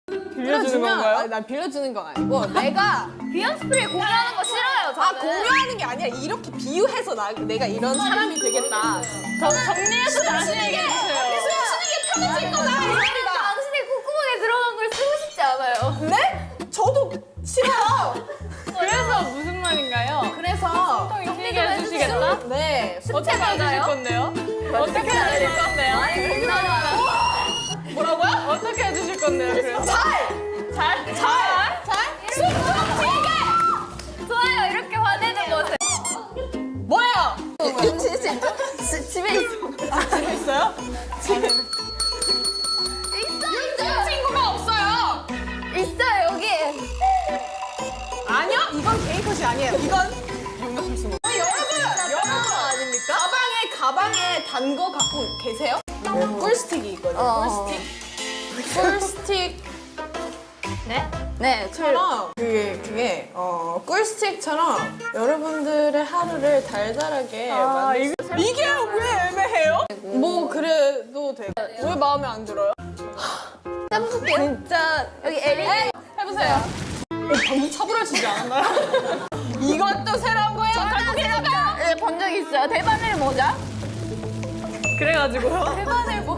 빌려주는 건가요? 아니, 난 빌려주는 건 아니고 내가 비염 스프레이 공유하는 거 싫어요. 저는. 공유하는 게 아니라 이렇게 비유해서 내가 이런 사람이 되겠다. 정리해서 다시 얘기해주세요. 숨 쉬는 게 편해질 거다 이 저는 소리가. 당신의 콧구멍에 들어간 걸 쓰고 싶지 않아요. 네? 저도 싫어요. 그래서 무슨 말인가요? 그래서 얘기해 주시겠다? 네. 어떻게 해주실 건데요? 어떻게 해주실 건데요? 뭐라고요? 어떻게 해주실 건데요? 그래서 잘. 좋아요. 이렇게 화내는 모습. 뭐예요? 집에 있어. 집에 있어요? 친구가 없어요. 있어요 여기. 아니요, 이건 개인 컷이 아니에요. 이건 용납할 수 없어요. 여러분 아닙니까? 가방에 단 거 갖고 계세요? 꿀스틱이 있거든요. 꿀스틱. 네? 처럼 그게 꿀스틱처럼 여러분들의 하루를 달달하게 만들 수 이게 왜 애매해요? 뭐 그래도 되고 왜 마음에 안 들어요? 해볼게요. 진짜 여기 에리. 해보세요. 방금 차분하시지 않았나요? 이것도 새로운 거예요? 갖고 계신가요? 네, 본 적 있어요. 대바늘 모자. 그래가지고요. 대바늘 뭐